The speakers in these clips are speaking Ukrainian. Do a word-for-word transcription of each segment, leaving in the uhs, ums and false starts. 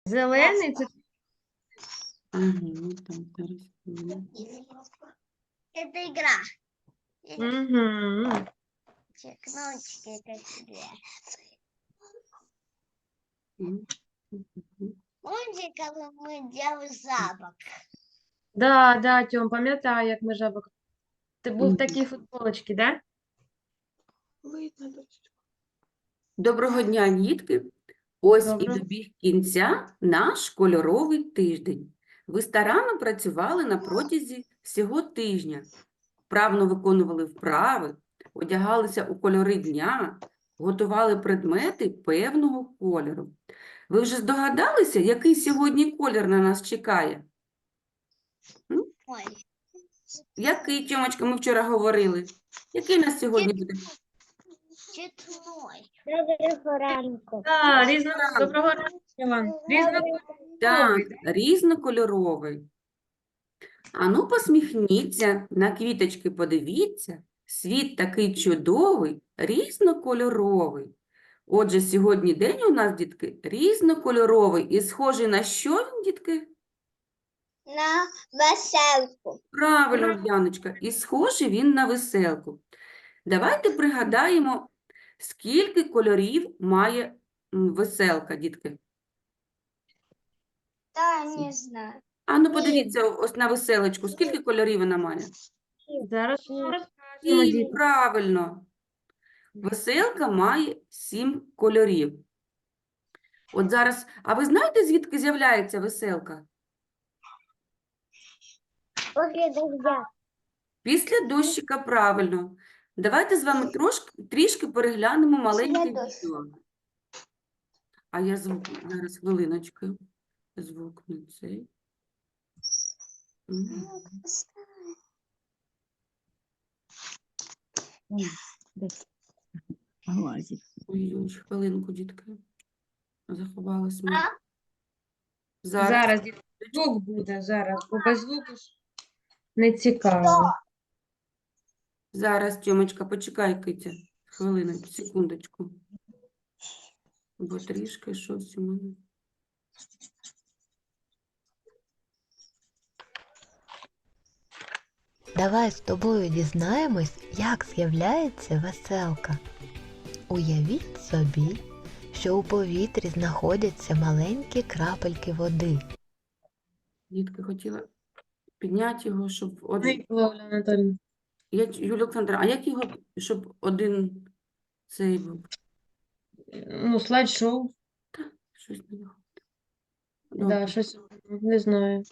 Зелений це Угу, там зараз хвилину. Это игра. угу. Те кнопочки такие. Мгм. Мгм. Помните, когда мы делали запах? Да, да, Тьом, пам'ятаю, як ми жабок. Ти був в Мгм. такій футболочці, да? Доброго дня, дітки! Ось і Добре. добіг кінця наш кольоровий тиждень. Ви старанно працювали на протязі всього тижня, вправно виконували вправи, одягалися у кольори дня, готували предмети певного кольору. Ви вже здогадалися, який сьогодні колір на нас чекає? Ой, Який, Тьомочка, ми вчора говорили? Який нас сьогодні буде? цветной. Да, різно... Доброго ранку, Іван. Різнокольоровий. Так, різнокольоровий. Ану, посміхніться, на квіточки подивіться. Світ такий чудовий, різнокольоровий. Отже, сьогодні день у нас, дітки, різнокольоровий. І схожий на що він, дітки? На веселку. Правильно, Яночка. І схожий він на веселку. Давайте пригадаємо, скільки кольорів має м, веселка, дітки. Да, не знаю. Ану, подивіться ось на веселочку. Скільки кольорів вона має? Зараз ми розкажемо, Сім, діти. правильно. Веселка має сім кольорів. От зараз, а ви знаєте, звідки з'являється веселка? После дождя. Після дощика, правильно. Давайте з вами трошки, трішки переглянемо маленьке дощу. відео. А я звук, зараз хвилиночку. Звук не цей. Мгм. Ой, ой, хвилинку, дітки. Заховалась ми. А? Зараз. Зараз діти, звук буде, зараз, бо без звуку ж не цікаво. Зараз, Тьомочка, почекай, Китя. Хвилиночку, секундочку. Бо трішки щось у мене. Давай з тобою дізнаємось, як з'являється веселка. Уявіть собі, що у повітрі знаходяться маленькі крапельки води. Дітки хотіла підняти його, щоб один. Микола Анатолійовна. Я, Юлія Олександра, а як його, щоб один цей був? Ну, слайд-шоу. Щось не виходить. Да, Добре, щось не знаю.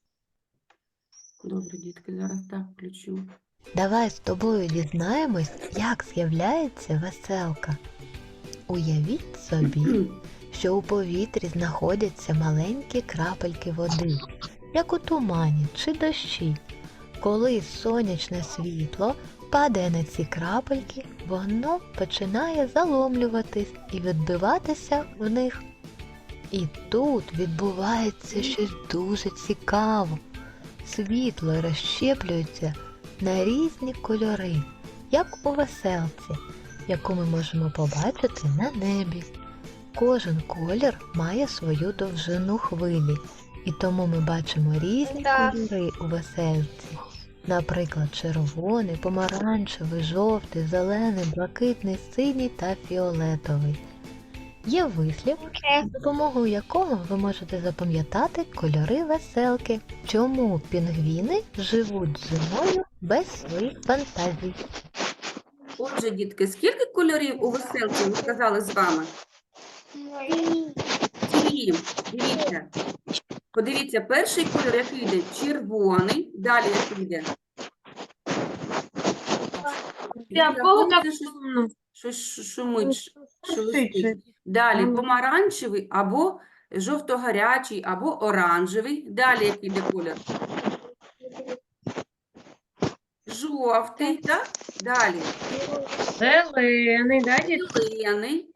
добре, дітки, зараз так включу. Давай з тобою дізнаємось, як з'являється веселка. Уявіть собі, що у повітрі знаходяться маленькі крапельки води, як у тумані чи дощі. Коли сонячне світло падає на ці крапельки, воно починає заломлюватись і відбиватися в них. І тут відбувається щось дуже цікаве. Світло розщеплюється на різні кольори, як у веселці, яку ми можемо побачити на небі. Кожен колір має свою довжину хвилі, і тому ми бачимо різні Так. кольори у веселці. Наприклад, червоний, помаранчевий, жовтий, зелений, блакитний, синій та фіолетовий. Є вислів, з допомогою якого ви можете запам'ятати кольори веселки. Чому пінгвіни живуть зимою без своїх фантазій? Отже, дітки, скільки кольорів у веселці ми сказали з вами? Сім. Дивіться. Подивіться, перший кольор, який йде? Червоний. Далі який йде? Я в кого так Щось- сумно? Щось ш- шумить, ш- Шуршить же. шелестить. Далі Ага. помаранчевий або жовто-гарячий, або оранжевий. Далі який йде колір? Жовтий, так? Далі Зелений, да, діти? зелений.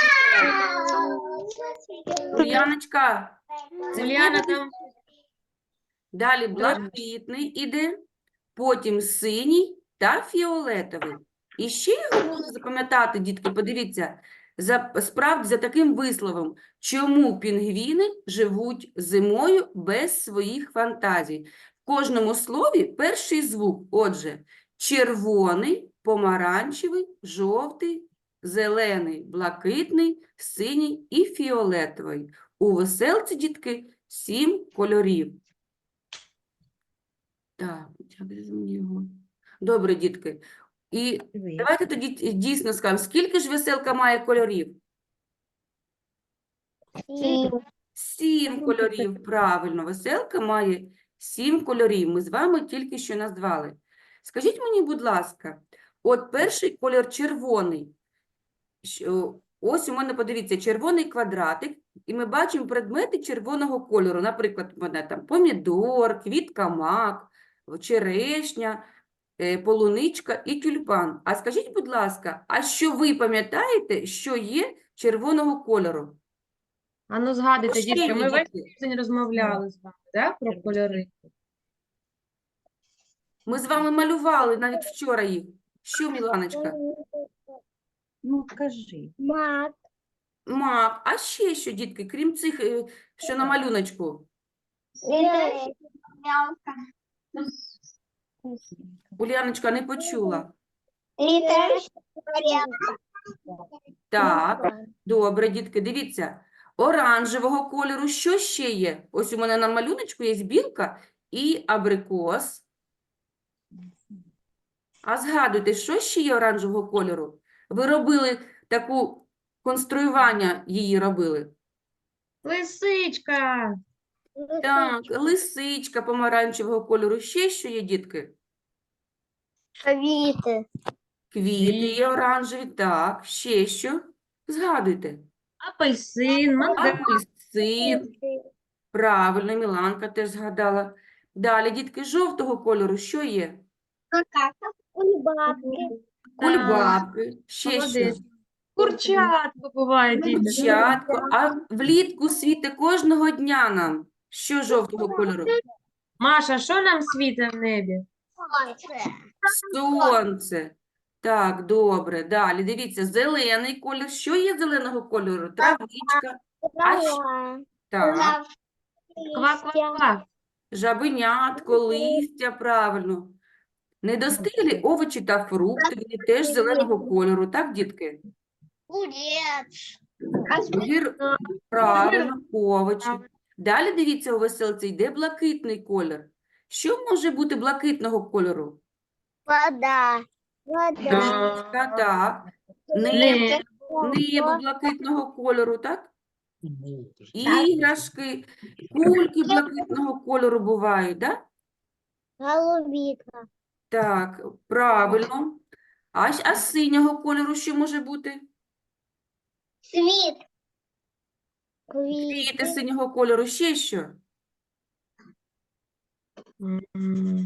Яночка, це Уляна в тебе? там Далі блакитний іде, потім синій та фіолетовий. І ще я хочу запам'ятати, дітки, подивіться, За, справді, за таким висловом, чому пінгвіни живуть зимою без своїх фантазій? В кожному слові перший звук. Отже, червоний, помаранчевий, жовтий, зелений, блакитний, синій і фіолетовий. У веселці, дітки, сім кольорів. Так, як же ж мені його? Добре, дітки. І давайте тоді дійсно скажемо, скільки ж веселка має кольорів? І Сім кольорів, правильно. Веселка має сім кольорів. Ми з вами тільки що назвали. Скажіть мені, будь ласка, от перший кольор червоний. Що- Ось у мене, подивіться, червоний квадратик, і ми бачимо предмети червоного кольору. Наприклад, у мене там помідор, квітка мак, черешня, е, полуничка і тюльпан. А скажіть, будь ласка, а що ви пам'ятаєте, що є червоного кольору? А ну згадуйте, Ще дітки, є, ми весь дітки. тиждень розмовляли з вами, да, про кольори. Ми з вами малювали навіть вчора їх. Що, Міланочка? Ну, кажи. мак, Мак. А ще що, дітки, крім цих, е, що на малюночку? мелка, Уляночка не почула. літер, Так, добре, дітки, дивіться. Оранжевого кольору що ще є? Ось у мене на малюночку є білка і абрикос. А згадуйте, що ще є оранжевого кольору? Ви робили таку конструювання її робили? Лисичка! Так, лисичка помаранчевого кольору. Ще що є, дітки? квіти, Квіти є оранжеві, так. Ще що? Згадуйте. Апельсин, мандарин. Апельсин. Правильно, Міланка теж згадала. Далі, дітки, жовтого кольору що є? кульбабки, Кульбабки. Ще що? Молодець. Курчатко буває, діти. Курчатко. А влітку світе кожного дня нам. Що жовтого кольору? Маша, що нам світить в небі? Сонце. Так, добре. Далі, дивіться, зелений колір. Що є зеленого кольору? Травичка. А що? Так. Ква-ква-ква. Жабенятко, листя, правильно. Недостиглі овочі та фрукти, вони теж зеленого кольору, так, дітки? Огурець, Гір... Правильно, овочі. Далі, дивіться, у веселці йде блакитний колір. Що може бути блакитного кольору? вода, вода, Річка, так. Небо, небо блакитного кольору, так? Іграшки, кульки блакитного кольору бувають, так? голубіка, Так, правильно. А, щ- а синього кольору що може бути? світ, Квіти квіти, синього кольору, ще що? М.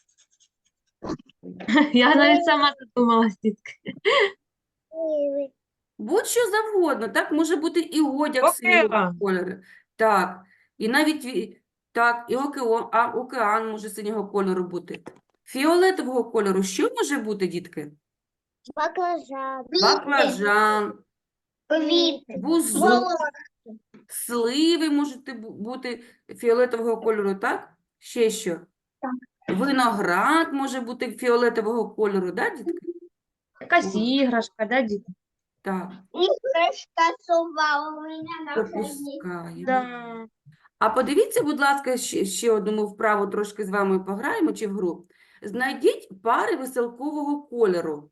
Я навіть сама задумалась, дітки. сливи, Будь-що завгодно, так? Може бути і одяг синього Океан. кольору. Так, і навіть, ві- так, і океан, а океан може синього кольору бути. Фіолетового кольору що може бути, дітки? баклажан, Баклажан, квіти, бузок, сливи можуть бу- бути фіолетового кольору, так? Ще що? Виноград може бути фіолетового кольору, так, дітки? Якась іграшка, да, діти? Так, іграшка сова у мене на храні. пропускаємо. Да. А подивіться, будь ласка, ще, ще одну ми вправу трошки з вами пограємо чи в гру. Знайдіть пари веселкового кольору.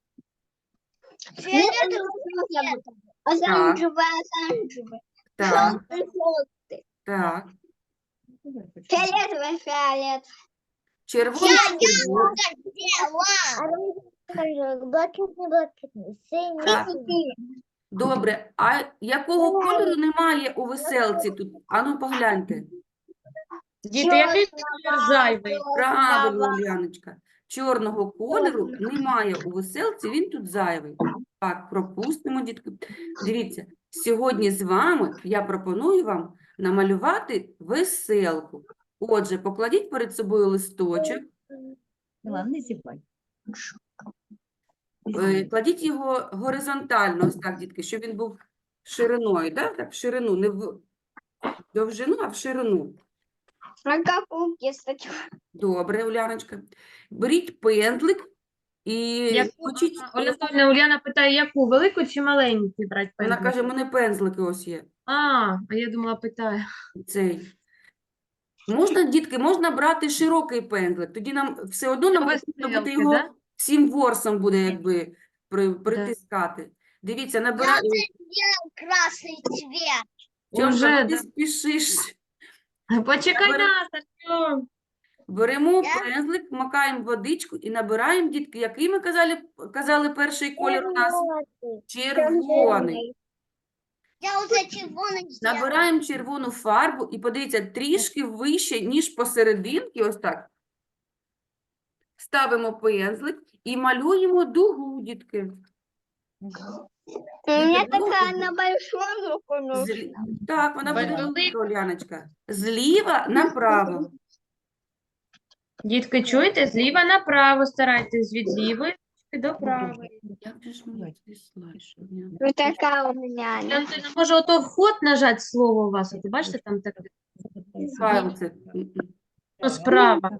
Фіолетовий, оранжевий, оранжевий, Так, жовтий, жовтий, так. фіолетовий, фіолетовий. Червоний, червоний. Оранжевий, блакитний, блакитний, Так. синій, Добре, а якого кольору немає у веселці тут? Ану, погляньте. Діти, який колір зайвий? Правильно, Уляночка. Чорного кольору немає у веселці, він тут зайвий. Так, пропустимо, дітки. Дивіться, сьогодні з вами я пропоную вам намалювати веселку. Отже, покладіть перед собою листочок, Мілан, не зівай. е, кладіть його горизонтально, ось так, дітки, щоб він був шириною, да? Так, в ширину, не в довжину, а в ширину. А какую кисточку? Добре, Уляночка. Беріть пензлик і Яку? точіть. А, Оля Анатольевна, Ульяна питає, яку? Велику чи маленьку брати Вона пензлик? каже, у мене пензлики ось є. А, а я думала, питає. Цей. Можна, дітки, можна брати широкий пензлик. Тоді нам все одно нам Без потрібно буде стрілки, його да? всім ворсом буде якби при, притискати. Дивіться, набирай. Красный цвет. Тьомка, Уже, ну ти да. спішиш. Почекай Набери- нас, Артем. Беремо Я- пензлик, макаємо водичку і набираємо, дітки, який ми казали, казали перший колір у нас? Червоний. Я уже червоный сделала. Набираємо червону фарбу і подивіться, трішки вище, ніж посерединки, ось так. Ставимо пензлик і малюємо дугу, дітки. У меня Дітки, дугу. такая на большую руку нужна. Злі- Так, вона буде Велика. велика, Оляночка. Зліва направо. Дітки, чуєте? Зліва направо старайтесь, від лівої до правої. Як же ж мені цей слайд, щоб я- Вот такая у меня. она. Антоніна, може ото вход нажати слово у вас? От, бачите, там так, Файл це. М-м. ну, справа.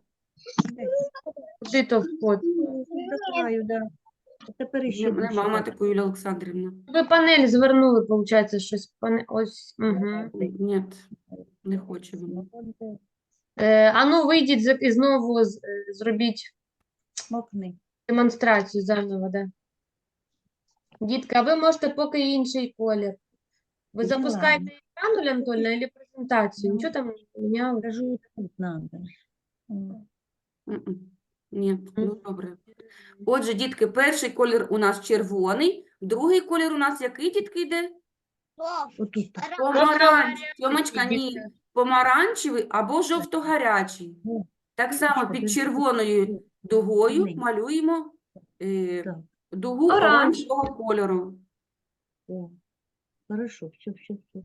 Куди то вход? Закриваю, да. А тепер ще Мене більше мама так. таку, Юлія Олександрівна. Ви панель звернули, виходить, щось. Пане... Ось. Угу. Ні, не хоче вона. Е, а ну, вийдіть за- і знову з- е, зробіть Мокни. демонстрацію заново, да. Дітка, а ви можете поки інший колір. Ви Ну, запускаєте ладно. екран, Оля Анатольевна, або презентацію? Ну. Нічого там не міняли? Кажу, тут надо. М. М-м. Ні, ну добре. Отже, дітки, перший колір у нас червоний, другий колір у нас який, дітки, йде? Отут так. Помаранчевий. Тьомочка, ні. Дітки. Помаранчевий або жовто-гарячий. Ну, Так само Дівчинка, під ти- червоною дугою Ні. малюємо е, Так. дугу Оранж. оранжевого кольору. О, хорошо, все, все, все.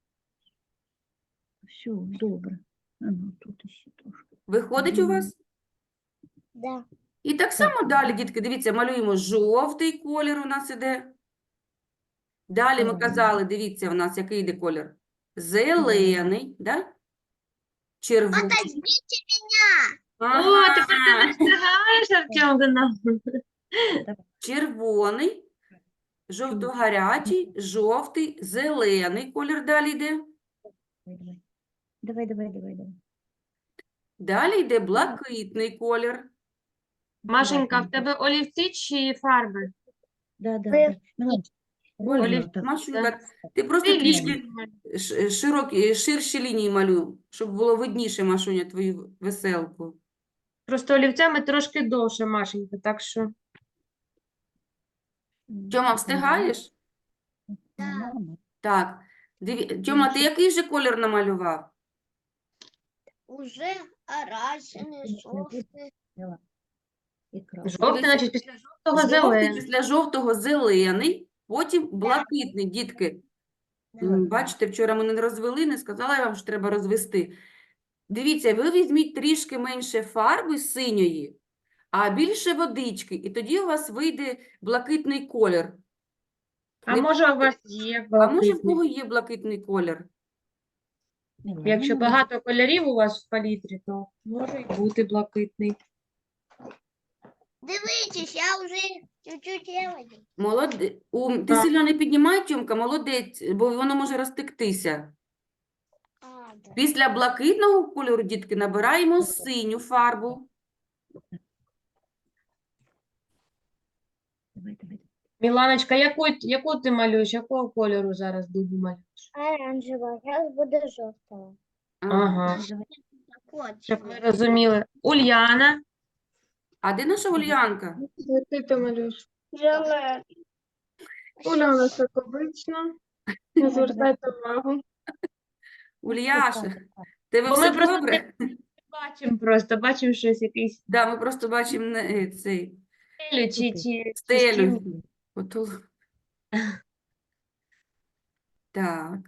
Все, добре. А ну, тут ще трошки. Виходить у вас? Да. І так само далі, дітки, дивіться, малюємо жовтий колір у нас іде. Далі ми Так. казали, дивіться, у нас який йде колір? Зелений, да? Червоний. Подождите О, Ага. тепер ти не встигаєш, Артем, до нас. Червоний, жовто-гарячий, жовтий, зелений колір далі йде. Давай, давай, давай, давай, давай. Далі йде блакитний колір. Машенька, в Давай, тебе олівці чи фарби? Да, да, Ви- да. Миланчик, ровно Олів- так. Машенька, ти просто Ти трішки лінії. ш- широкі, ширші лінії малюй, щоб було видніше, Машуня, твою веселку. Просто олівцями трошки довше, Машенька, так що... М, Тьома, так, встигаєш? мама. Так. Диві... Тьома, ти який же колір намалював? Уже оранжевый, желтый. Давай. І крапка. Жовтий, значить, після жовтого Жовтий, зелений. після жовтого зелений, потім блакитний, дітки. М, Бачите, вчора мене не розвели, не сказала я вам, що треба розвести. Дивіться, ви візьміть трішки менше фарби синьої, а більше водички, і тоді у вас вийде блакитний колір. А Не може у вас є А може в блакитний? кого є блакитний колір? Милана, Якщо ну, багато кольорів у вас в палітрі, то може й бути блакитний. Дивитесь, я уже чуть-чуть делаю. Молодець. Ти Так. сильно не піднімай, Тьомка, молодець, бо воно може розтектися. А, да. Після блакитного кольору, дітки, набираємо синю фарбу. Давай, давай. Міланочка, яку, яку ти малюєш? Якого кольору зараз дугу малюєш? Оранжевого, сейчас буде желтого. Ага, Давай. Вот. щоб ми розуміли. Ульяна, А де наша Ульянка? який ти малюєш? Желтый. Уляна, як обично. Не звертайте увагу. Ульяша, тебе Бо ми все просто добре? Бачимо просто, бачимо щось, якийсь Да, ми просто бачимо не, е, цей стелю чи, чи, чи стелю. стіну. Ото. Так.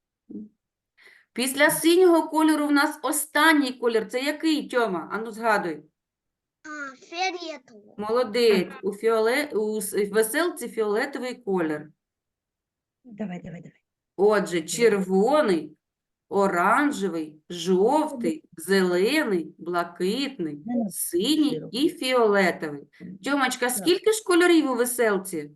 Після синього кольору в нас останній колір. Це який, Тьома? Ану, згадуй. А, фиолетовый. Молодець. У, фіоле... у с- веселці фіолетовий колір. Давай, давай, давай. Отже, червоний, оранжевий, жовтий, зелений, блакитний, Не надо синій широко. і фіолетовий. Тьомочка, скільки ж кольорів у веселці?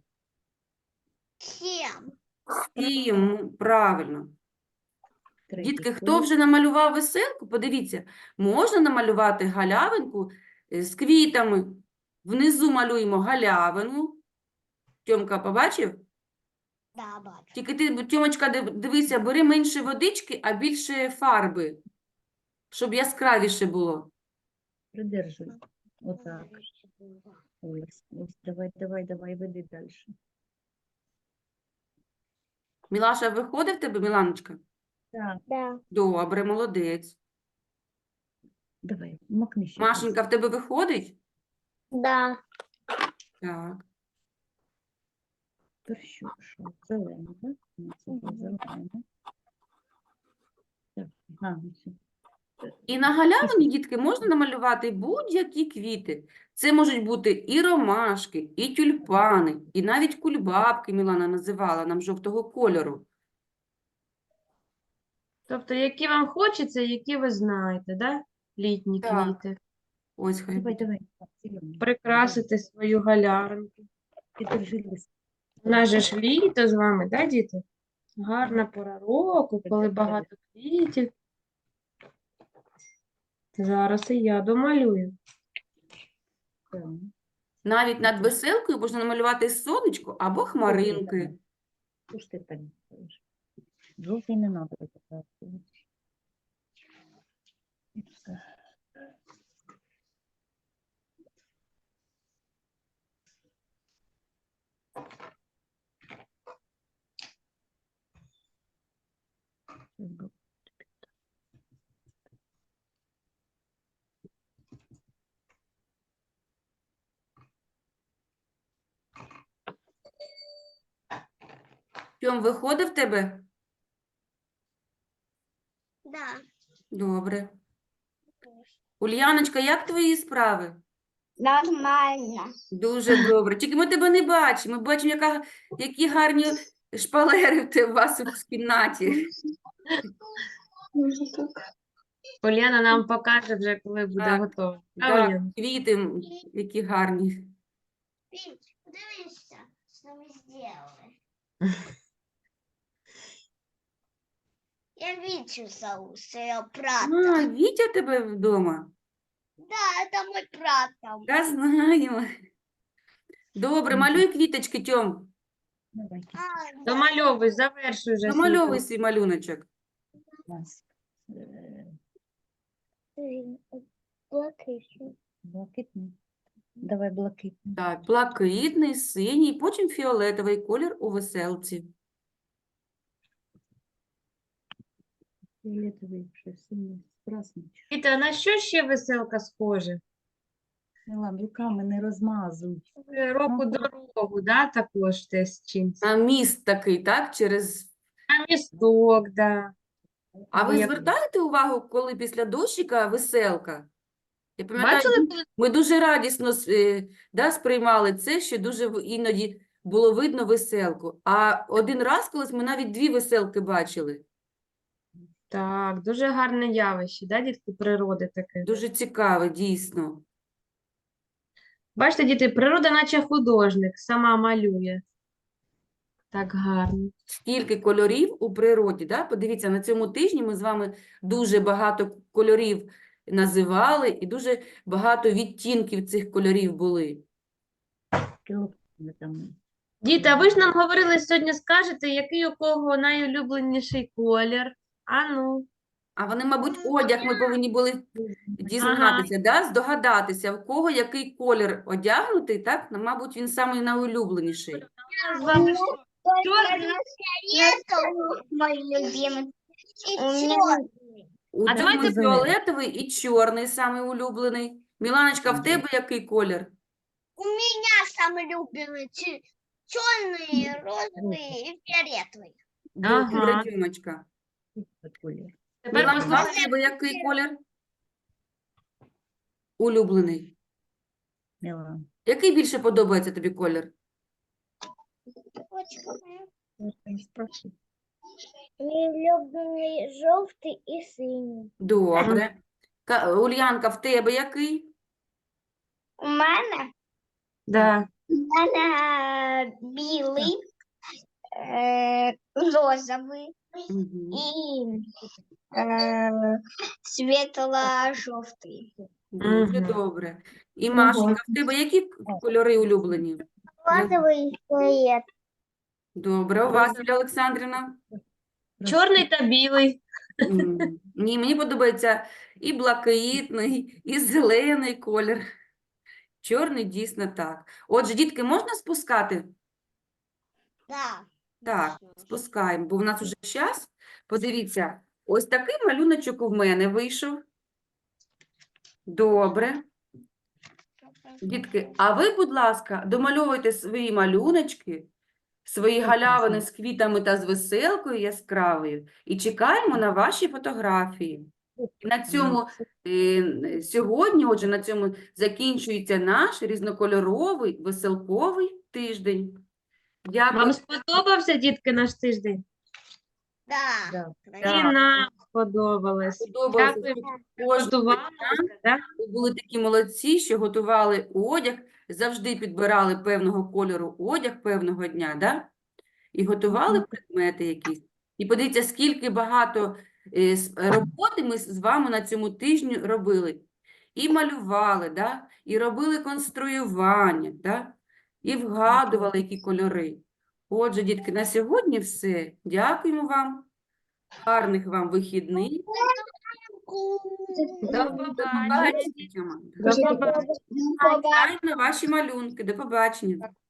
Сім. Сім, правильно. Третій Дітки, хто колір. вже намалював веселку, подивіться, можна намалювати галявинку е, з квітами. Внизу малюємо галявину. Тьомка, побачив? Да, бачу. Тільки ти, Тьомочка, див- дивися, бери менше водички, а більше фарби, щоб яскравіше було. Придержуй. Отак. Ось, ось, давай, давай, давай, веди далі. Мілаша, виходить в тебе, Міланочка? Так, Да. Добре, молодець. давай, макни ще. Машенька, в тебе виходить? Да. Так. Тепер що? Що? Зелене, так? Ну, це Мгм. зелене. Так, ага, все. І на галявині, дітки, можна намалювати будь-які квіти. Це можуть бути і ромашки, і тюльпани, і навіть кульбабки, Мілана називала нам жовтого кольору. Тобто, які вам хочеться, які ви знаєте, да? Літні Так. квіти. Ось хай Давай, буде. давай. Так, зелене. Прикрасити свою галяринку. Підержи лист. У нас же ж літо з вами, да, діти? Гарна пора року, коли багато квітів. Зараз і я домалюю. Так. Навіть над веселкою можна намалювати сонечко або хмаринки. Що ж ти так робиш? Жовтий не треба показувати. І все. Щас би- Тьом, виходить в тебе? Да. Добре. Ульяночка, як твої справи? Нормально. Дуже добре. Тільки ми тебе не бачимо. Ми бачимо, яка, які гарні шпалери в те- у вас у кімнаті. Уляна нам покаже вже, коли буде Так, готово. А, Так, Уляна? квіти, м, які гарні. Пить, подивися, що ми зробили. Я Витю зову, своего брата. А, Вітя тебе вдома? Да, это мой брат там. Я знаю. Добре, Мгм. малюй квіточки, Тьом. Давай, А, да. Домальовуй, завершуй вже свій Домальовуй курс. свій малюночок. у нас е, Блакитний. блакитний. Давай блакитний. Так, блакитний, синій, потім фіолетовий колір у веселці. Фіолетовий, що синій, красний. Діти, а на що ще веселка схожа? Милан, руками не розмазуй. Е, Року дорогу, да, також теж чимось. А міст такий, так, через... А місток, да. А ви Я- звертаєте увагу, коли після дощика веселка? Я пам'ятаю, Бачили, коли ми дуже радісно с- е, да, сприймали це, що дуже в- іноді було видно веселку. А один раз колись ми навіть дві веселки бачили. Так, дуже гарне явище, да, дітки, природи таке. Дуже цікаве, дійсно. Бачите, діти, природа наче художник, сама малює. Так гарно. Скільки кольорів у природі, да? Подивіться, на цьому тижні ми з вами дуже багато кольорів називали і дуже багато відтінків цих кольорів були. Кілопами там. Діти, а ви ж нам говорили сьогодні, скажете, який у кого найулюбленіший колір? А ну. А вони, мабуть, одяг ми повинні були дізнатися, да? Здогадатися, в кого який колір одягнутий, так? Ну, мабуть, він самий найулюбленіший. З вами що? Только фиолетовый мой любимый. И черный. У А давайте Діми зелений. фіолетовий і чорний самий улюблений. Міланочка, в тебе який колір? У меня самый любимый че- черный, розовый и фиолетовый. Добре, Ага. Тьомочка. Колір. Тепер Міланка, в послухайте. тебе який колір? Улюблений. Милан. Який більше подобається тобі колір? Очень Я ж не спрашиваю. Мій улюблений жовтий і синій. Добре. Ка- Ульянка, в тебе який? У мене, Да. у мене білий, е, розовий Мгм. і е, світло-жовтий. Дуже Мгм. добре. І Машенька, в тебе які к- кольори улюблені? Розовий цвіт. Добре. У вас, Юлія Олександрівна? Чорний та білий. М, Ні, мені подобається і блакитний, і зелений колір. Чорний дійсно так. Отже, дітки, можна спускати? Да. Так, спускаємо, бо в нас уже час. Подивіться, ось такий малюночок у мене вийшов. Добре. Дітки, а ви, будь ласка, домальовуйте свої малюночки, свої галявини з квітами та з веселкою яскравою і чекаємо на ваші фотографії. І на цьому е, сьогодні, отже, на цьому закінчується наш різнокольоровий веселковий тиждень. Дякую. Вам сподобався, дітки, наш тиждень? Да. Да. І Так. нам сподобалось. Подобалося, Дякую, що що кожного готувалися, да? ви були такі молодці, що готували одяг, завжди підбирали певного кольору одяг певного дня, да? І готували предмети якісь. І подивіться, скільки багато е, с- роботи ми з вами на цьому тижні робили. І малювали, да? І робили конструювання, да? І вгадували, які кольори. Отже, дітки, на сьогодні все. Дякуємо вам. Гарних вам вихідних. До До побачення. побачення. До побачення. Чекаємо на ваші малюнки. До побачення.